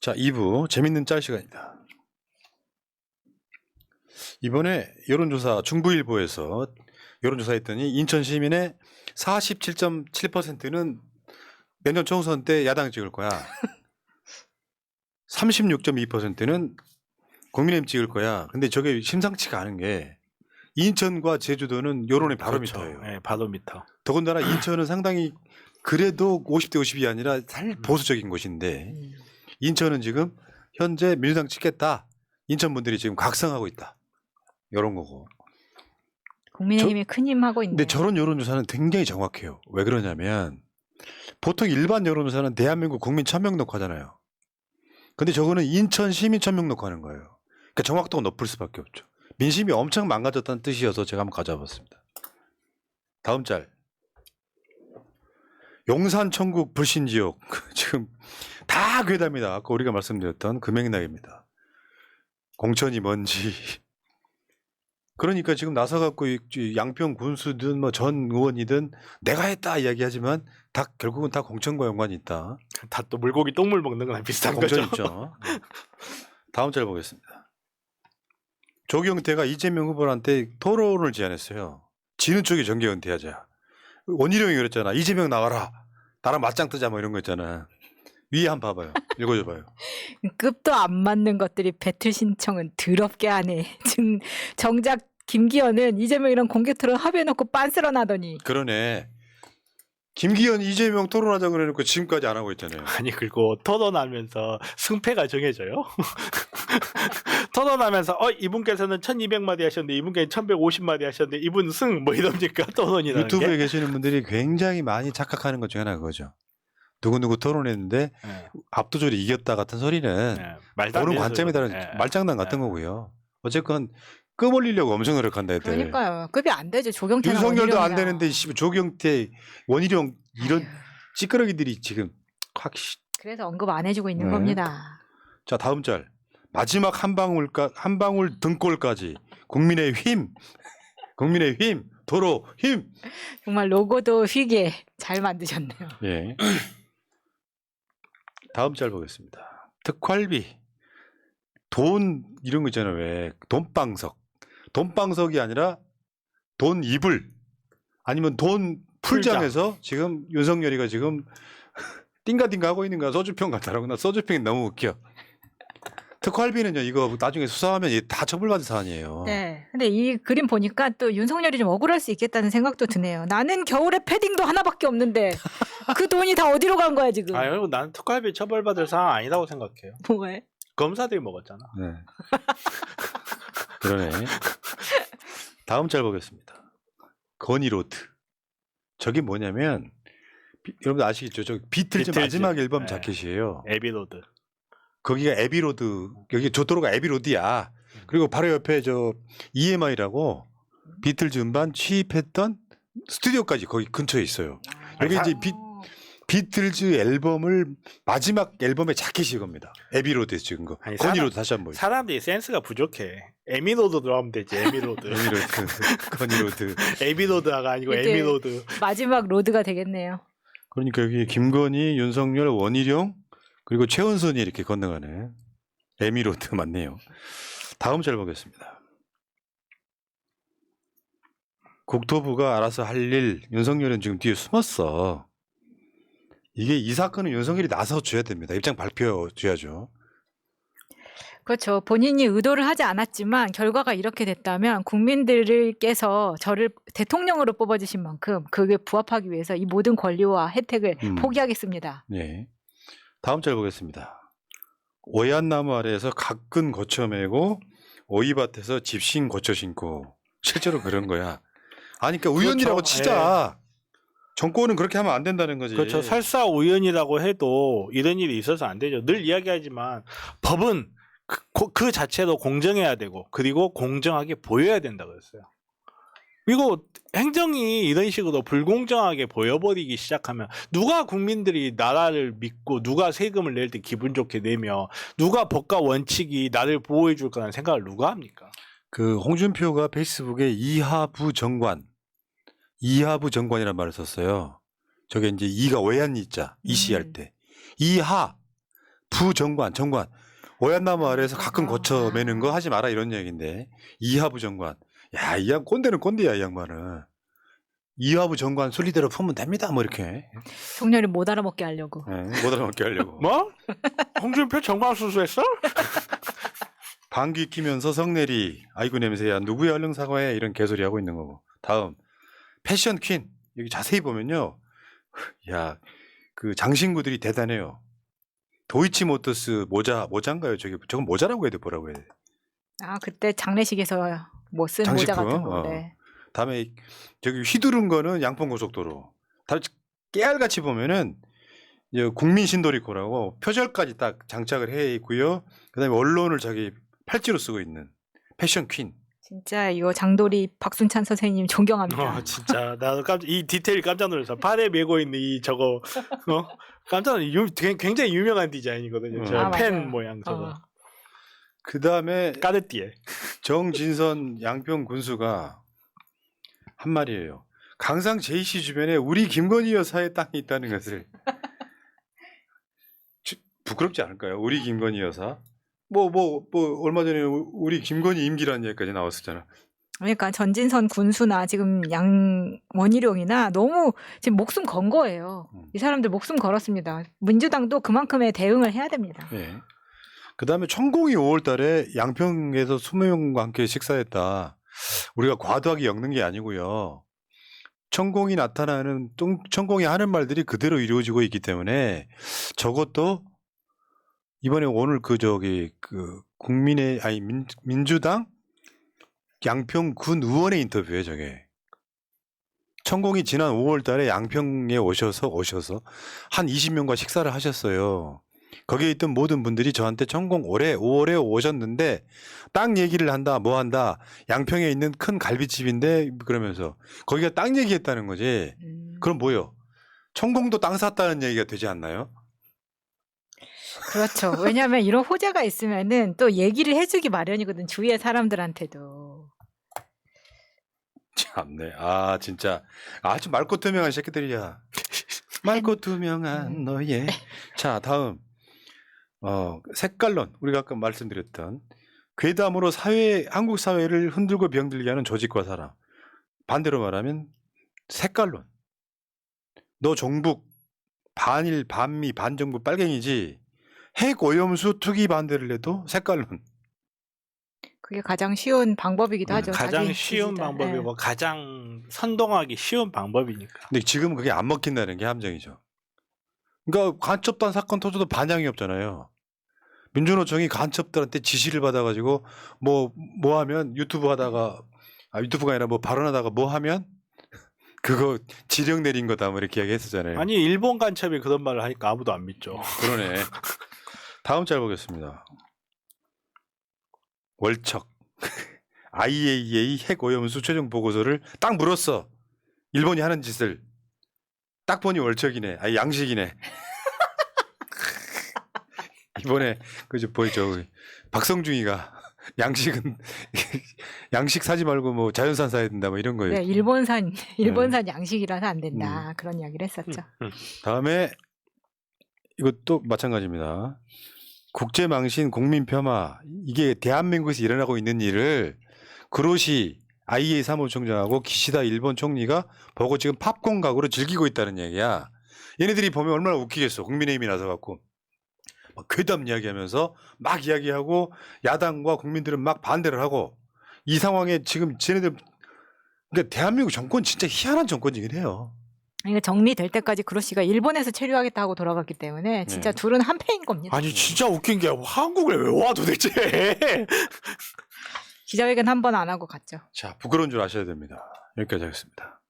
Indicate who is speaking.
Speaker 1: 자, 2부 재밌는 짤 시간입니다. 이번에 여론조사 중부일보에서 여론조사했더니 인천 시민의 47.7%는 내년 총선 때 야당 찍을 거야. 36.2%는 국민의힘 찍을 거야. 근데 저게 심상치가 않은 게 인천과 제주도는 여론의 바로미터예요.
Speaker 2: 네, 바로미터.
Speaker 1: 더군다나 인천은 상당히 그래도 50대 50이 아니라 살 보수적인 곳인데 인천은 지금 현재 민주당 찍겠다. 인천 분들이 지금 각성하고 있다. 이런 거고.
Speaker 3: 국민의힘이 큰 힘 하고 있네.
Speaker 1: 근데 저런 여론조사는 굉장히 정확해요. 왜 그러냐면 보통 일반 여론조사는 대한민국 국민 1000명 놓고 하잖아요. 근데 저거는 인천 시민 1000명 놓고 하는 거예요. 그러니까 정확도가 높을 수밖에 없죠. 민심이 엄청 망가졌다는 뜻이어서 제가 한번 가져와 봤습니다. 다음 짤. 용산 천국 불신 지역 지금 다 괴담이다. 아까 우리가 말씀드렸던 그 맥락입니다. 공천이 뭔지. 그러니까 지금 나서갖고 양평 군수든 뭐 전 의원이든 내가 했다 이야기하지만 다 결국은 다 공천과 연관이 있다.
Speaker 2: 다 또 물고기 똥물 먹는 거랑 비슷한
Speaker 1: 공천
Speaker 2: 거죠.
Speaker 1: 있죠. 다음 짤 보겠습니다. 조경태가 이재명 후보한테 토론을 제안했어요. 지는 쪽이 정계 은퇴하자. 원희룡이 그랬잖아. 이재명 나와라. 나랑 맞짱 뜨자 뭐 이런 거 있잖아. 위에 한번 봐봐요. 읽어줘봐요.
Speaker 3: 급도 안 맞는 것들이 배틀 신청은 더럽게 하네. 지금 정작 김기현은 이재명이랑 공개 토론 합의해놓고 빤스런하더니.
Speaker 1: 그러네. 김기현 이재명 토론하자 그래놓고 지금까지 안 하고 있잖아요.
Speaker 2: 아니 그리고 토론하면서 승패가 정해져요? 토론하면서 이분께서는 1200마디 하셨는데 이분께서는 1150마디 하셨는데 이분 승 뭐 이럽니까? 토론이라는
Speaker 1: 유튜브에
Speaker 2: 게?
Speaker 1: 계시는 분들이 굉장히 많이 착각하는 것 중에 하나가 그거죠. 누구누구 토론했는데
Speaker 2: 네.
Speaker 1: 압도적으로 이겼다 같은 소리는
Speaker 2: 네. 말도 안
Speaker 1: 보는
Speaker 2: 되는
Speaker 1: 관점에 따른
Speaker 2: 소리거든요. 네.
Speaker 1: 말장난 같은
Speaker 2: 네.
Speaker 1: 거고요. 어쨌건 끔 올리려고 엄청 노력한다 애들.
Speaker 3: 그러니까요. 급이 안 되죠. 조경태나
Speaker 1: 윤석열도 안
Speaker 3: 원희룡이나.
Speaker 1: 되는데 조경태, 원희룡 이런 찌끄러기들이 지금 확.
Speaker 3: 그래서 언급 안 해주고 있는
Speaker 1: 네.
Speaker 3: 겁니다.
Speaker 1: 자 다음 짤. 마지막 한 방울 등골까지 국민의힘 도로 힘.
Speaker 3: 정말 로고도 휘게 잘 만드셨네요.
Speaker 1: 예. 다음 짤 보겠습니다. 특활비, 돈 이런 거 있잖아요. 왜 돈방석이 아니라 돈 이불 아니면 돈 풀장에서 지금 윤석열이가 지금 띵가띵가 하고 있는 거야. 소주병 같다라고. 나 소주병이 너무 웃겨. 특활비는요, 이거 나중에 수사하면 다 처벌받은 사안이에요.
Speaker 3: 네. 근데 이 그림 보니까 또 윤석열이 좀 억울할 수 있겠다는 생각도 드네요. 나는 겨울에 패딩도 하나밖에 없는데 그 돈이 다 어디로 간 거야 지금?
Speaker 2: 아유, 난 특활비 처벌받을 상황 아니라고 생각해요.
Speaker 3: 뭐해?
Speaker 2: 검사들이 먹었잖아.
Speaker 1: 네. 그러네. 다음 짤 보겠습니다. 건이로드. 저게 뭐냐면 여러분 아시겠죠? 저 비틀즈 마지막 앨범
Speaker 2: 네.
Speaker 1: 자켓이에요.
Speaker 2: 에비로드.
Speaker 1: 거기가 에비로드. 여기 저도로가 에비로드야. 그리고 바로 옆에 저 EMI라고 비틀즈 음반 취입했던 스튜디오까지 거기 근처에 있어요. 여기 이제 비틀즈 앨범을 마지막 앨범의 자켓이 이겁니다. 에비로드에서 찍은 거.
Speaker 2: 아니,
Speaker 1: 건이로드 다시 한번.
Speaker 2: 사람들이 센스가 부족해. 에미로드로 하면 되지. 에미로드.
Speaker 1: 건이로드.
Speaker 2: 에비로드가 아니고
Speaker 3: 이게
Speaker 2: 에미로드.
Speaker 3: 마지막 로드가 되겠네요.
Speaker 1: 그러니까 여기 김건희, 윤석열, 원희룡 그리고 최은순이 이렇게 건너가네. 에미로드 맞네요. 다음 짤 보겠습니다. 국토부가 알아서 할 일 윤석열은 지금 뒤에 숨었어. 이게 이 사건은 윤석열이 나서 줘야 됩니다. 입장 발표줘야죠.
Speaker 3: 그렇죠. 본인이 의도를 하지 않았지만 결과가 이렇게 됐다면 국민들께서 저를 대통령으로 뽑아주신 만큼 그게 부합하기 위해서 이 모든 권리와 혜택을 포기하겠습니다.
Speaker 1: 네. 다음 짤 보겠습니다. 오얏나무 아래에서 가끈 거쳐 매고 오이밭에서 집신 거쳐 신고 실제로 그런 거야. 아니 그러니까 우연이라고
Speaker 2: 그렇죠.
Speaker 1: 치자. 정권은 그렇게 하면 안 된다는 거지.
Speaker 2: 그렇죠. 설사 우연이라고 해도 이런 일이 있어서 안 되죠. 늘 이야기하지만 법은 그 자체로 공정해야 되고 그리고 공정하게 보여야 된다고 했어요. 이거 행정이 이런 식으로 불공정하게 보여버리기 시작하면 누가 국민들이 나라를 믿고 누가 세금을 낼 때 기분 좋게 내며 누가 법과 원칙이 나를 보호해 줄 거라는 생각을 누가 합니까?
Speaker 1: 그 홍준표가 페이스북에 이하부 정관이라는 말을 썼어요. 저게 이제 이가 외환이자 이시할 때 이하 부정관, 정관. 오얏나무 아래에서 가끔 거쳐 매는 거 하지 마라 이런 얘기인데 이하부 정관. 야, 이 양 꼰대는 꼰대야 이 양반은. 이하부 정관 순리대로 풀면 됩니다. 뭐 이렇게.
Speaker 3: 송년이 못 알아먹게 하려고.
Speaker 1: 네, 못 알아먹게 하려고.
Speaker 2: 뭐? 홍준표 정광 수수했어?
Speaker 1: 방귀 끼면서 성내리. 아이고 냄새야. 누구야 얼른 사과해. 이런 개소리 하고 있는 거고. 다음 패션 퀸. 여기 자세히 보면요. 야, 그 장신구들이 대단해요. 도이치모터스 모자인가요? 저건 모자라고 해야 돼, 뭐라고 해야 돼.
Speaker 3: 아 그때 장례식에서 뭐 쓴 모자
Speaker 1: 장식품?
Speaker 3: 같은 거. 네.
Speaker 1: 다음에 저기 휘두른 거는 양평고속도로. 다 깨알같이 보면은 이제 국민신도리코라고 표절까지 딱 장착을 해 있고요. 그다음에 언론을 자기 팔찌로 쓰고 있는 패션 퀸.
Speaker 3: 진짜 이거 장도리 박순찬 선생님 존경합니다.
Speaker 2: 진짜 나도 이 디테일 깜짝 놀랐어. 팔에 메고 있는 이 저거 깜짝 놀랐어. 굉장히 유명한 디자인이거든요. 저
Speaker 3: 아,
Speaker 2: 펜
Speaker 3: 맞아요.
Speaker 2: 모양 저거.
Speaker 1: 그다음에
Speaker 2: 까르띠에.
Speaker 1: 정진선 양평 군수가 한 말이에요. 강상 JC 주변에 우리 김건희 여사의 땅이 있다는 것을 부끄럽지 않을까요? 우리 김건희 여사. 뭐 얼마 전에 우리 김건희 임기라는 얘기까지 나왔었잖아.
Speaker 3: 그러니까 전진선 군수나 지금 원희룡이나 너무 지금 목숨 건 거예요. 이 사람들 목숨 걸었습니다. 민주당도 그만큼의 대응을 해야 됩니다.
Speaker 1: 예. 그다음에 천공이 5월달에 양평에서 20명과 함께 식사했다. 우리가 과도하게 엮는 게 아니고요. 천공이 나타나는 천공이 하는 말들이 그대로 이루어지고 있기 때문에 저것도 이번에 오늘 민주당 양평군 의원의 인터뷰에 저게 천공이 지난 5월달에 양평에 오셔서 한 20명과 식사를 하셨어요. 거기에 있던 모든 분들이 저한테 천공 올해 5월에 오셨는데 땅 얘기를 한다 뭐 한다 양평에 있는 큰 갈비집인데 그러면서 거기가 땅 얘기했다는 거지. 그럼 뭐요? 천공도 땅 샀다는 얘기가 되지 않나요?
Speaker 3: 그렇죠. 왜냐하면 이런 호재가 있으면은 또 얘기를 해주기 마련이거든. 주위의 사람들한테도.
Speaker 1: 참네. 아 진짜 아주 맑고 투명한 새끼들이야. 맑고 투명한 너의. 자 다음 색깔론 우리가 아까 말씀드렸던 괴담으로 한국 사회를 흔들고 병들게 하는 조직과 사람. 반대로 말하면 색깔론. 너 종북 반일 반미 반정부 빨갱이지. 핵 오염수 투기 반대를 해도 색깔론.
Speaker 3: 그게 가장 쉬운 방법이기도 하죠.
Speaker 2: 가장
Speaker 3: 자기
Speaker 2: 쉬운
Speaker 3: 지지자.
Speaker 2: 방법이고
Speaker 3: 네.
Speaker 2: 가장 선동하기 쉬운 방법이니까.
Speaker 1: 근데 지금은 그게 안 먹힌다는 게 함정이죠. 그러니까 간첩단 사건 터져도 반향이 없잖아요. 민주노총이 간첩들한테 지시를 받아가지고 뭐 하면 유튜브가 아니라 뭐 발언하다가 뭐 하면 그거 지령 내린 거다 뭐 이렇게 이야기했었잖아요.
Speaker 2: 아니 일본 간첩이 그런 말을 하니까 아무도 안 믿죠.
Speaker 1: 그러네. 다음 짤 보겠습니다. 월척 IAEA 핵 오염수 최종 보고서를 딱 물었어. 일본이 하는 짓을 딱 보니 월척이네. 아니 양식이네. 이번에 그저 보이죠. 박성중이가 양식은 양식 사지 말고 뭐 자연산 사야 된다 뭐 이런 거예요.
Speaker 3: 네, 일본산 양식이라서 안 된다. 그런 이야기를 했었죠.
Speaker 1: 다음에 이것도 마찬가지입니다. 국제망신 국민폄하 이게 대한민국에서 일어나고 있는 일을 그로시 IEA 사무총장하고 기시다 일본 총리가 보고 지금 팝콘 각으로 즐기고 있다는 얘기야. 얘네들이 보면 얼마나 웃기겠어. 국민의힘이 나서 갖고 막 괴담 이야기하면서 막 이야기하고 야당과 국민들은 막 반대를 하고 이 상황에 지금 쟤네들 그러니까 대한민국 정권 진짜 희한한 정권이긴 해요.
Speaker 3: 이거 정리될 때까지 그로시가 일본에서 체류하겠다 하고 돌아갔기 때문에 진짜
Speaker 1: 네.
Speaker 3: 둘은 한패인 겁니다.
Speaker 2: 아니 진짜 웃긴 게 한국을 왜 와 도대체?
Speaker 3: 기자회견 한 번 안 하고 갔죠.
Speaker 1: 자, 부끄러운 줄 아셔야 됩니다. 여기까지 하겠습니다.